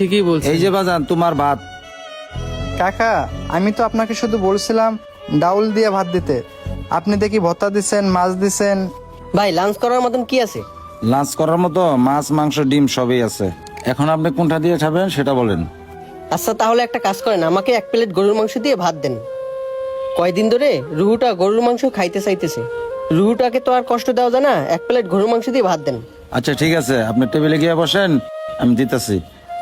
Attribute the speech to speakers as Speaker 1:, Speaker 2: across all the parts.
Speaker 1: ঠিকই বলছেন।
Speaker 2: এই যে বাজান তোমার ভাত।
Speaker 3: কাকা, আমি তো আপনাকে শুধু বলছিলাম ডাউল দিয়ে ভাত দিতে, আপনি দেখি ভর্তা দিছেন, মাছ দিছেন।
Speaker 4: ভাই লাঞ্চ করার মতন কি আছে?
Speaker 2: লাঞ্চ করার মতো মাছ, মাংস, ডিম সবই আছে। এখন আপনি কোনটা দিয়ে খাবেন সেটা বলেন।
Speaker 4: আচ্ছা তাহলে একটা কাজ করেন, আমাকে 1 প্লেট গরুর মাংস দিয়ে ভাত দেন। কয়দিন ধরে রুহুটা গরুর মাংস খাইতে চাইতেছে, রুহুটাকে তো আর কষ্ট দেওয়া যায় না, 1 প্লেট গরুর মাংস দিয়ে ভাত দেন।
Speaker 2: আচ্ছা ঠিক আছে, আপনি টেবিলে গিয়ে বসেন, আমি দিতেছি।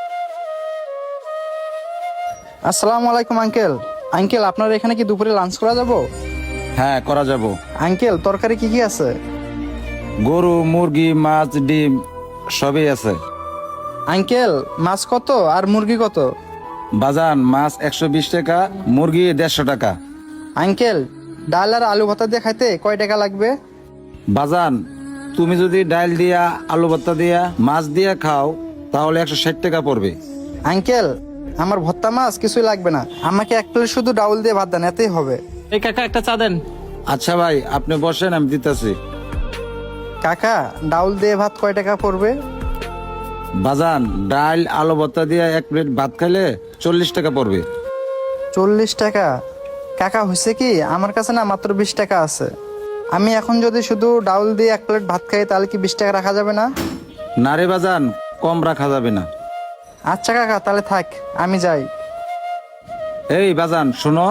Speaker 3: আসসালামু আলাইকুম আঙ্কেল। আঙ্কেল, আপনার এখানে কি দুপুরে লাঞ্চ করা যাব?
Speaker 2: হ্যাঁ, করা যাব।
Speaker 3: আঙ্কেল, তরকারি কি কি আছে?
Speaker 2: গরু, মুরগি, মাছ, ডিম সবই আছে।
Speaker 3: আঙ্কেল, মাছ কত আর মুরগি কত?
Speaker 2: বাজান, মাছ 120 টাকা, মুরগি 150 টাকা।
Speaker 3: আঙ্কেল, ডাল আর আলু ভর্তা দিয়ে খাইতে কয় টাকা লাগবে?
Speaker 2: বাজান, তুমি যদি ডাল দিয়া, আলু ভর্তা দিয়া, মাছ দিয়া খাও তাহলে 160 টাকা পড়বে।
Speaker 3: আঙ্কেল, আমার ভর্তা মাছ কিছুই লাগবে না, আমাকে 1 প্লেট শুধু ডাউল দিয়ে ভাত দেন, এতেই হবে।
Speaker 1: এই কাকা একটা চা দেন।
Speaker 2: আচ্ছা ভাই, আপনি বসেন, আমি দিতেছি।
Speaker 3: কাকা, ডাউল দিয়ে ভাত কয় টাকা পড়বে?
Speaker 2: বাজান, ডাল আলু ভর্তা দিয়ে 1 প্লেট ভাত খাইলে 40 টাকা পড়বে।
Speaker 3: 40 টাকা? কাকা, হয়েছে কি, আমার কাছে না মাত্র 20 টাকা আছে। আমি এখন যদি শুধু ডাউল দিয়ে 1 প্লেট ভাত খাই তাহলে কি 20 টাকা রাখা যাবে না?
Speaker 2: না রে বাজান, কম রাখা যাবে না।
Speaker 3: আচ্ছা কাকা, তাহলে থাক, আমি যাই।
Speaker 2: এই বাজান শোনো।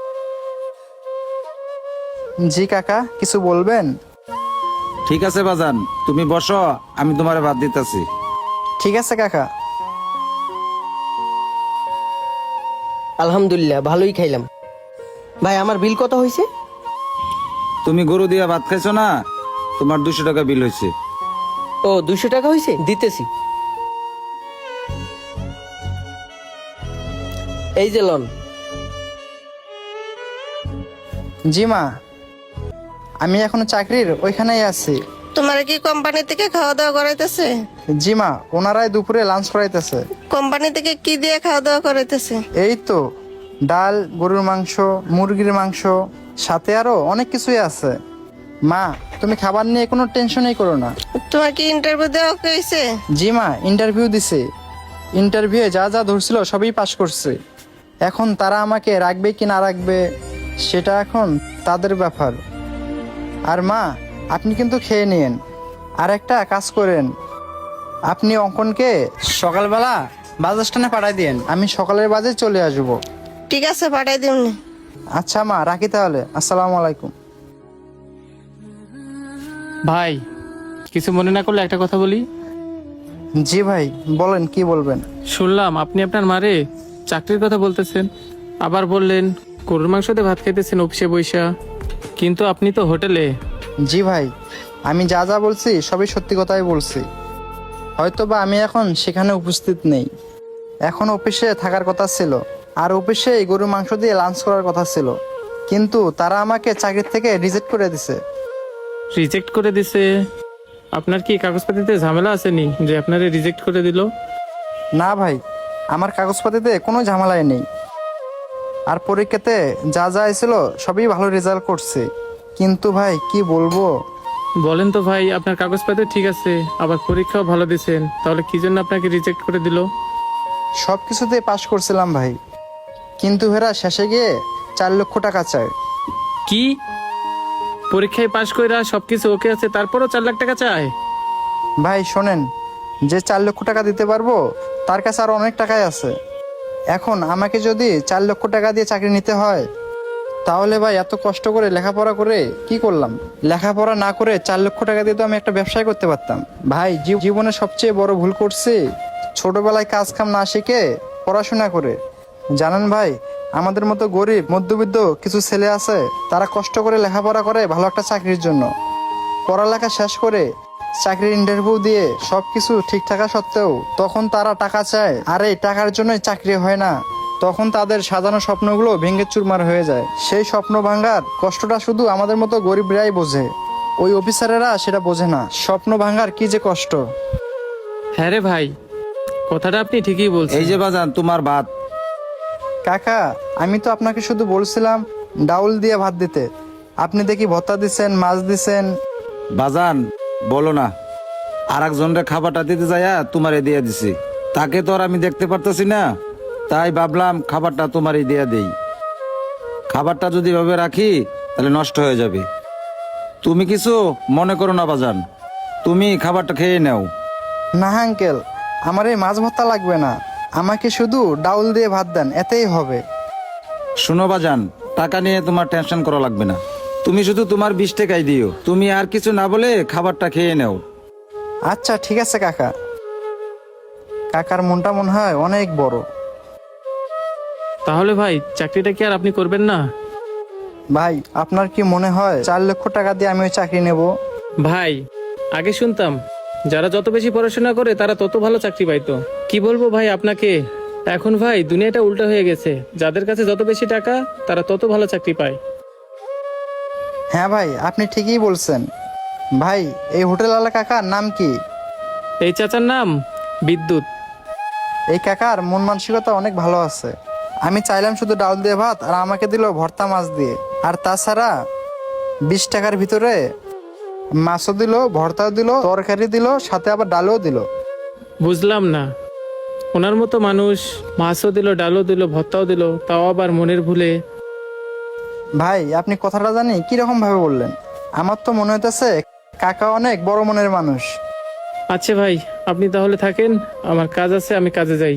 Speaker 3: জি কাকা, কিছু বলবেন?
Speaker 2: ঠিক আছে বাজান, তুমি বসো, আমি তোমারে ভাত দিতেছি।
Speaker 3: ঠিক আছে কাকা।
Speaker 4: আলহামদুলিল্লাহ, ভালোই খাইলাম। ভাই আমার বিল কত হয়েছে?
Speaker 2: তুমি গরু দিয়ে ভাত খাইছো না, তোমার 200 টাকা বিল হয়েছে।
Speaker 4: ও 200 টাকা হয়েছে, দিতেছি। এই যে লন।
Speaker 3: জি মা, আমি এখনো চাকরির ওইখানেই আছি।
Speaker 5: তোমার কি কোম্পানি থেকে খাওয়া দাওয়া করাইতেছে?
Speaker 3: জি মা, ওনারাই দুপুরে লাঞ্চ করাইতেছে।
Speaker 5: কোম্পানি থেকে কি দিয়ে খাওয়া দাওয়া করাইতেছে?
Speaker 3: এই তো ডাল, গরুর মাংস, মুরগির মাংস, সাথে আরো অনেক কিছুই আছে। মা, তুমি খাবার নিয়ে কোনো টেনশনই করো না।
Speaker 5: তোমার কি ইন্টারভিউ দেওয়া হয়েছে?
Speaker 3: জি মা, ইন্টারভিউ দিছে। ইন্টারভিউয়ে যা যা ধরছিল সবই পাশ করছে। এখন তারা আমাকে রাখবে কি না রাখবে সেটা এখন তাদের ব্যাপার। আর মা, আপনি কিন্তু খেয়ে নিন। আর একটা কাজ করেন, আপনি অঙ্কনকে সকালবেলা বাস স্ট্যান্ডে পাঠাই দিন, আমি সকালের বাজে চলে আসব।
Speaker 5: ঠিক আছে, পাঠাই দিমনি।
Speaker 3: আচ্ছা মা, রাখি তাহলে, আসসালামু আলাইকুম।
Speaker 1: ভাই কিছু মনে না করলে একটা কথা বলি।
Speaker 3: জি ভাই, বলেন, কি বলবেন?
Speaker 1: শুনলাম আপনি আপনার মারে চাকরির কথা বলতেছেন, আবার বললেন গরুর মাংস দিয়ে ভাত খাইতেছেন অফিসে বইসা, কিন্তু আপনি তো হোটেলে।
Speaker 3: জি ভাই, আমি যা যা বলছি সবই সত্যি কথাই বলছি। হয়তোবা আমি এখন সেখানে উপস্থিত নেই, এখন অফিসে থাকার কথা ছিল, আর অফিসে গরুর মাংস দিয়ে লাঞ্চ করার কথা ছিল, কিন্তু তারা আমাকে চাকরি থেকে রিজেক্ট করে দিছে।
Speaker 1: রিজেক্ট করে দিছে? আপনার কি কাগজপাতিতে ঝামেলা আসেনি যে আপনারে রিজেক্ট করে দিল?
Speaker 3: না ভাই, আমার কাগজপাতিতে কোনো ঝামেলাই নেই, আর পরীক্ষাতে যা যা ছিল সবই ভালো রেজাল্ট করছে, কিন্তু ভাই কি বলবো।
Speaker 1: বলেন তো ভাই, আপনার কাগজপাতি ঠিক আছে, আবার পরীক্ষাও ভালো দিছেন, তাহলে কি জন্য আপনাকে রিজেক্ট করে দিল?
Speaker 3: সব কিছুতে পাশ করছিলাম ভাই, কিন্তু হেরা শেষে গিয়ে 4 লক্ষ টাকা চায়।
Speaker 1: কি? পরীক্ষায় পাশ কইরা সবকিছু ওকে আছে, তারপরও 4 লাখ টাকা চায়?
Speaker 3: ভাই শোনেন, যে 4 লক্ষ টাকা দিতে পারবো তার কাছে আরো অনেক টাকাই আছে। এখন আমাকে যদি 4 লক্ষ টাকা দিয়ে চাকরি নিতে হয়, তাহলে ভাই এত কষ্ট করে লেখাপড়া করে কি করলাম? লেখাপড়া না করে 4 লক্ষ টাকা দিয়ে তো আমি একটা ব্যবসায় করতে পারতাম। ভাই জীবনে সবচেয়ে বড় ভুল করছি ছোটবেলায় কাজ কাম না শিখে পড়াশোনা করে। জানেন ভাই, আমাদের মতো গরিব মধ্যবিত্ত কিছু ছেলে আছে, তারা কষ্ট করে লেখাপড়া করে ভালো একটা চাকরির জন্য, পড়ালেখা শেষ করে চাকরির ইন্টারভিউ দিয়ে সবকিছু ঠিক থাকা সত্ত্বেও তখন তারা টাকা চায়, আর এই টাকার জন্যই চাকরি হয় না। তখন তাদের সাজানো স্বপ্নগুলো ভেঙে চুরমার হয়ে যায়। সেই স্বপ্ন ভাঙার কষ্টটা শুধু আমাদের মতো গরিবরাই বোঝে, ওই অফিসারেরা সেটা বোঝে না, স্বপ্ন ভাঙার কি যে কষ্ট।
Speaker 1: হ্যাঁ রে ভাই, কথাটা আপনি ঠিকই বলছেন।
Speaker 2: এই যে বাজান তোমার ভাত।
Speaker 3: কাকা, আমি তো আপনাকে শুধু বলছিলাম ডাউল দিয়ে ভাত দিতে, আপনি দেখি ভর্তা দিছেন, মাছ দিছেন।
Speaker 2: বাজান বলো না, আর একজনের খাবারটা দিতে যাইয়া তোমারে দিয়ে দিছি। তাকে তো আর আমি দেখতে পারতেছি না, তাই ভাবলাম খাবারটা তোমারই দিয়ে দেই। খাবারটা যদি এভাবে রাখি তাহলে নষ্ট হয়ে যাবে। তুমি কিছু মনে করো না বাজান, তুমি খাবারটা খেয়ে নাও।
Speaker 3: না আঙ্কেল, আমার এই মাছ ভর্তা লাগবে না, আমাকে শুধু ডাউল দিয়ে ভাত দেন, এতেই হবে।
Speaker 2: শোনো বাজান, টাকা নিয়ে তোমার টেনশন করা লাগবে না, তুমি শুধু তোমার 20 টাকাই দিও। তুমি আর কিছু না বলে খাবারটা খেয়ে নাও।
Speaker 3: আচ্ছা ঠিক আছে কাকা। কাকার মনটা মনে হয় অনেক বড়।
Speaker 1: তাহলে ভাই চাকরিটা কি আর আপনি করবেন না?
Speaker 3: ভাই আপনার কি মনে হয় 4 লক্ষ টাকা দিয়ে আমি ওই চাকরি নেব?
Speaker 1: ভাই আগে শুনতাম যারা যত বেশি পড়াশোনা করে তারা তত ভালো চাকরি পাইতো। কি বলবো ভাই আপনাকে, এখন ভাই দুনিয়াটা উল্টা হয়ে গেছে, যাদের কাছে যত বেশি টাকা তারা তত ভালো চাকরি পায়।
Speaker 3: হ্যাঁ ভাই, আপনি ঠিকই বলছেন। ভাই এই হোটেলওয়ালা কাকার নাম কি?
Speaker 1: এই চাচার নাম বিদ্যুৎ।
Speaker 3: এই কাকার মন মানসিকতা অনেক ভালো আছে। আমি চাইলাম শুধু ডাউল দিয়ে ভাত, আর আমাকে দিল ভর্তা মাছ দিয়ে। আর তাছাড়া 20 টাকার ভিতরে মাছও দিল, ভর্তাও দিল, তরকারি দিল, সাথে আবার ডালও দিল।
Speaker 1: বুঝলাম না, ওনার মতো মানুষ মাছও দিল, ডালও দিল, ভর্তাও দিল, তাও আবার মনের ভুলে।
Speaker 3: ভাই আপনি কথাটা জানি কিরকম ভাবে বললেন? আমার তো মনে হইতেছে কাকা অনেক বড় মনের মানুষ।
Speaker 1: আচ্ছা ভাই আপনি তাহলে থাকেন, আমার কাজ আছে, আমি কাজে যাই।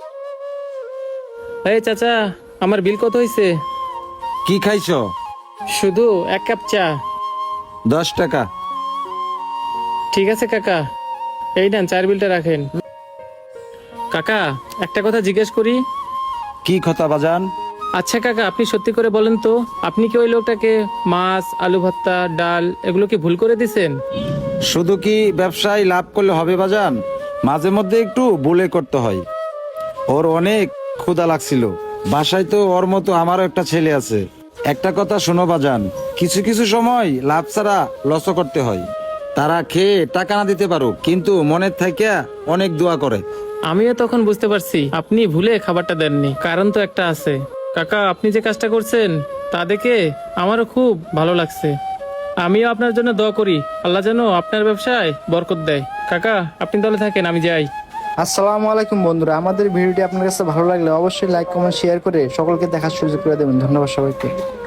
Speaker 1: এই চাচা, আমার বিল কত হয়েছে?
Speaker 2: কি খাইছো?
Speaker 1: শুধু 1 কাপ চা।
Speaker 2: 10 টাকা।
Speaker 1: ঠিক আছে কাকা, এই নেন চার বিলটা রাখেন। কাকা একটা কথা জিজ্ঞেস করি।
Speaker 2: কি কথা বাজান?
Speaker 1: আচ্ছা কাকা, আপনি সত্যি করে বলেন তো, আপনি কি ওই লোকটাকে মাছ, আলু ভর্তা, ডাল এগুলো কি ভুল করে দিছেন?
Speaker 2: শুধু কি ব্যবসায় লাভ করলে হবে বাজান? মাঝে মধ্যে একটু ভুলে করতে হয়। ওর অনেক ক্ষুধা লাগছিল, বাসায় তো ওর মতো আমারও একটা ছেলে আছে। একটা কথা শোনো বাজান, কিছু কিছু সময় লাভ ছাড়া লসও করতে হয়। তারা খেয়ে টাকা না দিতে পারো, কিন্তু মনের থেকে অনেক দোয়া করে।
Speaker 1: আমিও তখন বুঝতে পারছি আপনি ভুলে খাবারটা দেননি, কারণ তো একটা আছে। কাকা আপনি যে কাজটা করছেন তা দেখে আমারও খুব ভালো লাগছে। আমিও আপনার জন্য দোয়া করি, আল্লাহ যেন আপনার ব্যবসায় বরকত দেয়। কাকা আপনি তাহলে থাকেন, আমি যাই।
Speaker 3: আসসালামু আলাইকুম বন্ধুরা, আমাদের ভিডিওটি আপনার কাছে ভালো লাগলে অবশ্যই লাইক, কমেন্ট, শেয়ার করে সকলকে দেখার সুযোগ করে দেবেন। ধন্যবাদ সবাইকে।